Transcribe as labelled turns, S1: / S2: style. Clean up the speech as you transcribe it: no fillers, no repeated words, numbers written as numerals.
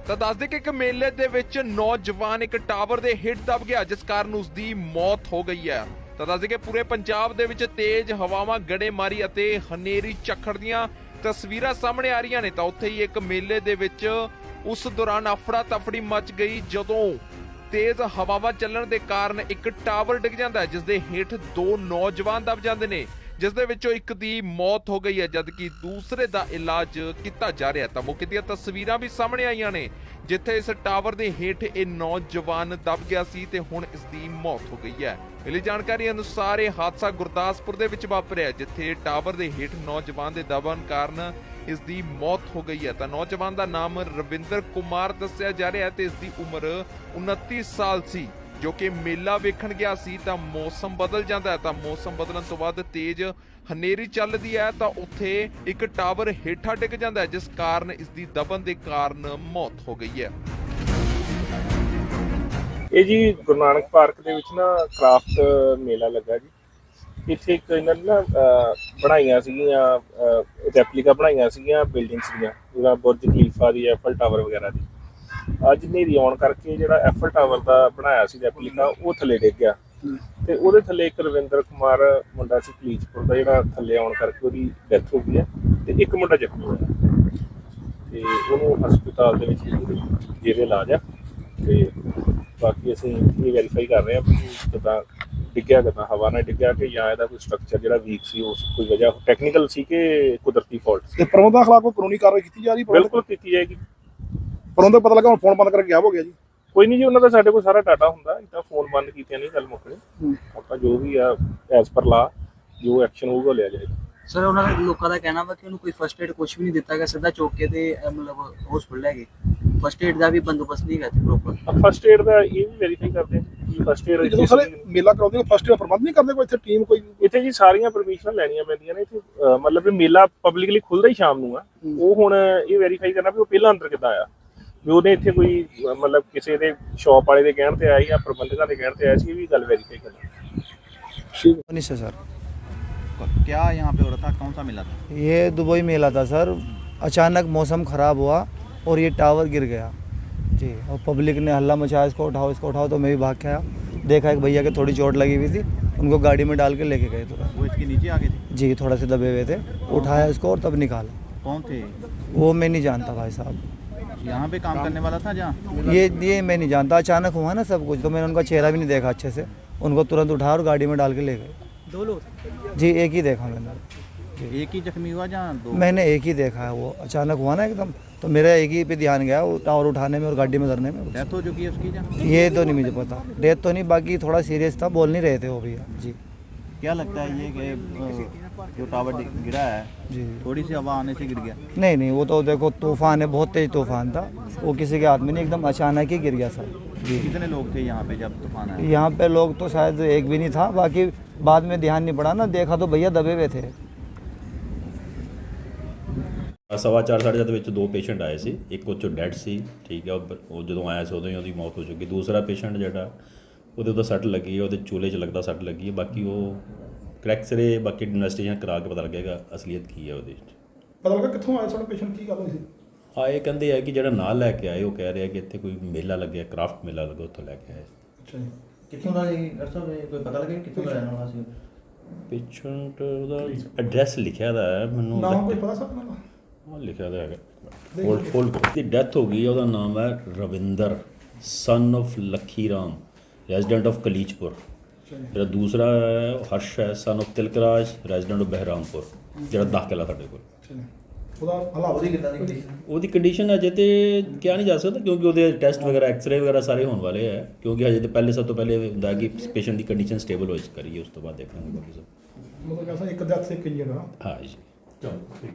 S1: ਤਾਂ ਦੱਸਦੇ ਕਿ ਇੱਕ ਮੇਲੇ ਦੇ ਵਿੱਚ ਨੌਜਵਾਨ ਇੱਕ ਟਾਵਰ ਦੇ ਹੇਠ ਦਬ ਗਿਆ, ਜਿਸ ਕਾਰਨ ਉਸ ਦੀ ਮੌਤ ਹੋ ਗਈ ਹੈ। ਤਾਂ ਦੱਸਦੇ ਕਿ ਪੂਰੇ ਪੰਜਾਬ ਦੇ ਵਿੱਚ ਤੇਜ਼ ਹਵਾਵਾਂ, ਗੜੇਮਾਰੀ ਅਤੇ ਹਨੇਰੀ ਝੱਖੜ ਦੀਆਂ ਤਸਵੀਰਾਂ ਸਾਹਮਣੇ ਆ ਰਹੀਆਂ ਨੇ। ਤਾਂ ਉੱਥੇ ਹੀ ਇੱਕ ਮੇਲੇ ਦੇ ਵਿੱਚ ਉਸ ਦੌਰਾਨ ਅਫੜਾ ਤਫੜੀ ਮਚ ਗਈ, ਜਦੋਂ ਤੇਜ਼ ਹਵਾਵਾਂ ਚੱਲਣ ਦੇ ਕਾਰਨ ਇੱਕ ਟਾਵਰ ਡਿੱਗ ਜਾਂਦਾ ਹੈ, ਜਿਸ ਦੇ ਹੇਠ ਦੋ ਨੌਜਵਾਨ ਦਬ ਜਾਂਦੇ ਨੇ, ਜਿਸ ਦੇ ਵਿੱਚੋਂ ਇੱਕ ਦੀ ਮੌਤ ਹੋ ਗਈ ਹੈ, ਜਦਕਿ ਦੂਸਰੇ ਦਾ ਇਲਾਜ ਕੀਤਾ ਜਾ ਰਿਹਾ। ਤਾਂ ਮੌਕੇ ਦੀਆਂ ਤਸਵੀਰਾਂ ਵੀ ਸਾਹਮਣੇ ਆਈਆਂ ਨੇ, ਜਿੱਥੇ ਇਸ ਟਾਵਰ ਦੇ ਹੇਠ ਇਹ ਨੌਜਵਾਨ ਦਬ ਗਿਆ ਸੀ ਤੇ ਹੁਣ ਇਸ ਦੀ ਮੌਤ ਹੋ ਗਈ ਹੈ। ਮਿਲੀ ਜਾਣਕਾਰੀ ਅਨੁਸਾਰ ਇਹ ਹਾਦਸਾ ਗੁਰਦਾਸਪੁਰ ਦੇ ਵਿੱਚ ਵਾਪਰਿਆ, ਜਿੱਥੇ ਟਾਵਰ ਦੇ ਹੇਠ ਨੌਜਵਾਨ ਦੇ ਦਬਣ ਕਾਰਨ ਇਸ ਦੀ ਮੌਤ ਹੋ ਗਈ ਹੈ। ਤਾਂ ਨੌਜਵਾਨ ਦਾ ਨਾਮ ਰਵਿੰਦਰ ਕੁਮਾਰ ਦੱਸਿਆ ਜਾ ਰਿਹਾ ਹੈ ਤੇ ਇਸ ਦੀ ਉਮਰ 29 ਸਾਲ ਸੀ, ਜੋ ਕਿ ਮੇਲਾ ਵੇਖਣ ਗਿਆ ਸੀ। ਤਾਂ ਮੌਸਮ ਬਦਲ ਜਾਂਦਾ ਹੈ, ਤਾਂ ਮੌਸਮ ਬਦਲਣ ਤੋਂ ਬਾਅਦ ਤੇਜ਼ ਹਨੇਰੀ ਚੱਲਦੀ ਹੈ, ਤਾਂ ਉੱਥੇ ਇੱਕ ਟਾਵਰ ਹੇਠਾਂ ਡਿੱਗ ਜਾਂਦਾ ਹੈ, ਜਿਸ ਕਾਰਨ ਇਸ ਦੀ ਦਬਣ ਦੇ ਕਾਰਨ ਮੌਤ ਹੋ ਗਈ ਹੈ।
S2: ਇਹ ਜੀ ਗੁਰੂ ਨਾਨਕ ਪਾਰਕ ਦੇ ਵਿੱਚ ਨਾ ਕ੍ਰਾਫਟ ਮੇਲਾ ਲੱਗਾ ਜੀ। ਇੱਥੇ ਇੱਕ ਇਹਨਾਂ ਨੇ ਨਾ ਬਣਾਈਆਂ ਸੀਗੀਆਂ ਰੈਪਲੀਕਾ ਬਣਾਈਆਂ ਸੀਗੀਆਂ ਬਿਲਡਿੰਗਸ ਦੀਆਂ, ਜਿਹੜਾ ਬੁਰਜ ਖਲੀਫਾ ਦੀ, ਐਫਲ ਟਾਵਰ ਵਗੈਰਾ ਦੀ। ਅੱਜ ਹਨੇਰੀ ਆਉਣ ਕਰਕੇ ਜਿਹੜਾ ਐਫਲ ਟਾਵਰ ਦਾ ਬਣਾਇਆ ਸੀ ਰੈਪਲੀਕਾ, ਉਹ ਥੱਲੇ ਡਿੱਗ ਗਿਆ ਤੇ ਉਹਦੇ ਥੱਲੇ ਇੱਕ ਰਵਿੰਦਰ ਕੁਮਾਰ ਮੁੰਡਾ ਸੀ ਕਲੀਚਪੁਰ ਦਾ, ਜਿਹੜਾ ਥੱਲੇ ਆਉਣ ਕਰਕੇ ਉਹਦੀ ਡੈਥ ਹੋ ਗਈ ਹੈ ਤੇ ਇੱਕ ਮੁੰਡਾ ਜ਼ਖਮੀ ਹੋਇਆ ਤੇ ਉਹਨੂੰ ਹਸਪਤਾਲ ਦੇ ਵਿੱਚ ਜਿਹਦੇ ਇਲਾਜ ਆ। ਤੇ ਬਾਕੀ ਅਸੀਂ ਇਹ ਵੈਰੀਫਾਈ ਕਰ ਰਹੇ ਹਾਂ ਵੀ ਕਿੱਦਾਂ ਡਿੱਗਿਆ, ਕਿੱਦਾਂ ਹਵਾ ਨਾਲ ਡਿੱਗਿਆ ਕਿ ਜਾਂ ਇਹਦਾ ਕੋਈ ਸਟਰਕਚਰ ਜਿਹੜਾ ਵੀਕ ਸੀ, ਉਸ ਕੋਈ ਵਜ੍ਹਾ ਟੈਕਨੀਕਲ ਸੀ ਕਿ ਕੁਦਰਤੀ ਫਾਲਟ ਸੀ।
S3: ਤੇ ਪ੍ਰਬੰਧਕਾਂ ਖਿਲਾਫ ਕੋਈ ਕਾਨੂੰਨੀ ਕਾਰਵਾਈ ਕੀਤੀ ਜਾ ਰਹੀ?
S2: ਬਿਲਕੁਲ ਕੀਤੀ ਜਾਏਗੀ।
S3: ਪ੍ਰਬੰਧਕ ਪਤਾ ਲੱਗਾ ਹੁਣ ਫੋਨ ਬੰਦ ਕਰਕੇ ਗਾਇਬ ਹੋ ਗਿਆ ਜੀ।
S2: ਕੋਈ ਨਹੀਂ ਜੀ, ਉਹਨਾਂ ਦਾ ਸਾਡੇ ਕੋਲ ਸਾਰਾ ਡਾਟਾ ਹੁੰਦਾ, ਇੱਦਾਂ ਫੋਨ ਬੰਦ ਕੀਤਿਆਂ ਨਹੀਂ ਗੱਲ ਮੁੱਕਣੀ। ਆਪਾਂ ਜੋ ਵੀ ਆ ਐਜ਼ ਪਰ ਲਾ ਜੋ ਐਕਸ਼ਨ ਹੋਊਗਾ ਲਿਆ ਜਾਏਗਾ।
S4: ਸਰ ਉਹਨਾਂ ਦਾ ਲੋਕਾਂ ਦਾ ਕਹਿਣਾ ਵਾ ਕਿ ਉਹਨੂੰ ਕੋਈ ਫਸਟ ਏਡ ਕੁਝ ਵੀ ਨਹੀਂ ਦਿੱਤਾ ਗਿਆ, ਸਿੱਧਾ ਚੌਕ ਕੇ ਤੇ ਮਤਲਬ ਹਸਪੀਟਲ ਲੈ ਗਏ। ਫਸਟ ਏਡ ਦਾ ਵੀ ਬੰਦੋਬਸਤ ਨਹੀਂ ਹੈਗਾ ਪ੍ਰੋਪਰ।
S2: ਫਸਟ ਏਡ ਦਾ ਇਹ ਵੀ ਵੈਰੀਫਾਈ ਕਰਦੇ ਹਾਂ ਕਿ ਫਸਟ ਏਡ
S3: ਜਦੋਂ ਸਾਰੇ ਮੇਲਾ ਕਰਾਉਂਦੇ ਹੋ ਫਸਟ ਏਡ ਪ੍ਰਬੰਧ ਨਹੀਂ ਕਰਦੇ ਕੋਈ ਇੱਥੇ ਟੀਮ ਕੋਈ?
S2: ਇੱਥੇ ਜੀ ਸਾਰੀਆਂ ਪਰਮਿਸ਼ਨਾਂ ਲੈਣੀਆਂ ਪੈਂਦੀਆਂ ਨੇ ਇੱਥੇ। ਮਤਲਬ ਇਹ ਮੇਲਾ ਪਬਲਿਕਲੀ ਖੁੱਲਦਾ ਹੀ ਸ਼ਾਮ ਨੂੰ ਆ। ਉਹ ਹੁਣ ਇਹ ਵੈਰੀਫਾਈ ਕਰਨਾ ਵੀ ਉਹ ਪਹਿਲਾਂ ਅੰਦਰ ਕਿੱਦਾਂ ਆਇਆ, ਵੀ ਉਹਨੇ ਇੱਥੇ ਕੋਈ ਮਤਲਬ ਕਿਸੇ ਦੇ ਸ਼ॉप ਵਾਲੇ ਦੇ ਕਹਿਣ ਤੇ ਆਇਆ ਜਾਂ ਪ੍ਰਬੰਧਕਾਂ ਦੇ ਕਹਿਣ ਤੇ ਆਇਆ ਸੀ, ਇਹ ਵੀ ਗੱਲ ਵੈਰੀਫਾਈ ਕਰਨੀ।
S5: नहीं सर सर
S6: क्या यहाँ पे हो रहा था, कौन सा मेला था?
S5: ये दुबई मेला था सर। अचानक मौसम ख़राब हुआ और ये टावर गिर गया जी, और पब्लिक ने हल्ला मचाया, इसको उठाओ। तो मैं भी भाग के आया, देखा एक भैया के थोड़ी चोट लगी हुई थी, उनको गाड़ी में डाल के लेके गए तुरंत।
S6: वो इसके नीचे आ गए थे?
S5: जी, थोड़ा से दबे हुए थे, उठाया इसको और तब निकाला।
S6: कौन थे?
S5: वो मैं नहीं जानता भाई साहब,
S6: यहाँ पे काम करने वाला था जहाँ?
S5: ये मैं नहीं जानता। अचानक हुआ ना सब कुछ, तो मैंने उनका चेहरा भी नहीं देखा अच्छे से। उनको तुरंत उठाया और गाड़ी में डाल के ले गए।
S4: दो लोग?
S5: जी, एक ही देखा मैंने।
S6: एक ही जख्मी हुआ जहाँ दो?
S5: मैंने एक ही देखा है, वो अचानक हुआ ना एकदम, तो मेरा एक ही पे ध्यान गया, वो टावर उठाने में और गाड़ी में धरने में।
S6: डेथ हो चुकी है उसकी जहाँ?
S5: ये तो नहीं मुझे पता, डेथ तो नहीं, बाकी थोड़ा सीरियस था, बोल नहीं रहे थे वो भैया जी।
S6: क्या लगता है ये कि जो टावर गिरा है
S5: जी
S6: थोड़ी सी हवा आने से गिर गया?
S5: नहीं, वो तो देखो तूफान है, बहुत तेज तूफान था, वो किसी के हाथ में नहीं, एकदम अचानक ही गिर गया सर जी।
S6: कितने लोग थे यहाँ पे जब तूफान आया?
S5: यहाँ पे लोग तो शायद एक भी नहीं था, बाकी बाद में ध्यान नहीं पड़ा ना, देखा तो भैया दबे हुए थे।
S7: 4:15 ਸਾਢੇ 7 ਵਿੱਚ ਦੋ ਪੇਸ਼ੈਂਟ ਆਏ ਸੀ। ਇੱਕ ਉਹ 'ਚੋਂ ਡੈਡ ਸੀ, ਠੀਕ ਹੈ, ਉਹ ਜਦੋਂ ਆਇਆ ਸੀ ਉਦੋਂ ਹੀ ਉਹਦੀ ਮੌਤ ਹੋ ਚੁੱਕੀ। ਦੂਸਰਾ ਪੇਸ਼ੈਂਟ ਜਿਹੜਾ ਉਹਦੇ ਉੱਤੇ ਸੱਟ ਲੱਗੀ ਹੈ, ਉਹਦੇ ਚੂਲੇ 'ਚ ਲੱਗਦਾ ਸੱਟ ਲੱਗੀ ਹੈ। ਬਾਕੀ ਉਹ ਕਰੈਕਸ ਰੇ ਬਾਕੀ ਇਨਵੈਸਟੀਗੇਸ਼ਨ ਕਰਾ ਕੇ ਪਤਾ ਲੱਗੇਗਾ ਅਸਲੀਅਤ ਕੀ ਹੈ ਉਹਦੇ ਵਿੱਚ।
S3: ਪਤਾ ਲੱਗਾ ਕਿੱਥੋਂ ਆਏ ਸਾਡੇ ਪੇਸ਼ੈਂਟ, ਕੀ ਗੱਲ ਹੋਈ ਸੀ?
S7: ਹਾਂ, ਇਹ ਕਹਿੰਦੇ ਆ ਕਿ ਜਿਹੜਾ ਨਾਲ ਲੈ ਕੇ ਆਏ ਉਹ ਕਹਿ ਰਿਹਾ ਕਿ ਇੱਥੇ ਕੋਈ ਮੇਲਾ ਲੱਗਿਆ, ਕ੍ਰਾਫਟ ਮੇਲਾ ਲੱਗਾ, ਉੱਥੋਂ ਲੈ ਕੇ ਆਏ।
S3: ਅੱਛਾ ਜੀ।
S6: कितों का डॉक्टर साहब कोई पता लगे कितों का रहने वाला सी?
S7: ਪੇਸ਼ੈਂਟ ਉਹਦਾ ਐਡਰੈਸ ਲਿਖਿਆ ਦਾ ਹੈ ਮੈਨੂੰ,
S3: ਨਾਮ ਕੋਈ ਪਤਾ ਸਰ ਨਾ?
S7: ਹਾਂ ਲਿਖਿਆ ਦਾ ਹੈਗਾ। ਹੋਲਡ ਦੀ ਡੈਥ ਹੋ ਗਈ ਹੈ। ਉਹਦਾ ਨਾਮ ਹੈ Ravinder son of Lakhi Ram, resident of Kalichpur. ਜਿਹੜਾ ਦੂਸਰਾ ਹੈ ਹਰਸ਼ ਹੈ, son of Tilakraj, resident of Bahrampur, ਜਿਹੜਾ ਦਾਖਲਾ ਸਾਡੇ ਕੋਲ।
S3: ਉਹਦਾ ਹਾਲਾਤ ਦੀ ਕਿੱਦਾਂ ਦੀ?
S7: ਉਹਦੀ ਕੰਡੀਸ਼ਨ ਅਜੇ ਤੇ ਕਿਹਾ ਨਹੀਂ ਜਾ ਸਕਦਾ, ਕਿਉਂਕਿ ਉਹਦੇ ਟੈਸਟ ਵਗੈਰਾ, ਐਕਸਰੇ ਵਗੈਰਾ ਸਾਰੇ ਹੋਣ ਵਾਲੇ ਹੈ। ਕਿਉਂਕਿ ਹਜੇ ਤਾਂ ਪਹਿਲੇ ਸਭ ਤੋਂ ਪਹਿਲੇ ਹੁੰਦਾ ਕਿ ਪੇਸ਼ੈਂਟ ਦੀ ਕੰਡੀਸ਼ਨ ਸਟੇਬਲ ਹੋ ਕਰੀਏ, ਉਸ ਤੋਂ ਬਾਅਦ ਦੇਖਾਂਗੇ ਬਾਕੀ ਸਭ।
S3: ਮਤਲਬ ਕਹਿੰਦਾ ਇੱਕ ਡੈਥ ਇੱਕ ਇੰਜਨ ਆ।
S7: ਹਾਂ ਜੀ।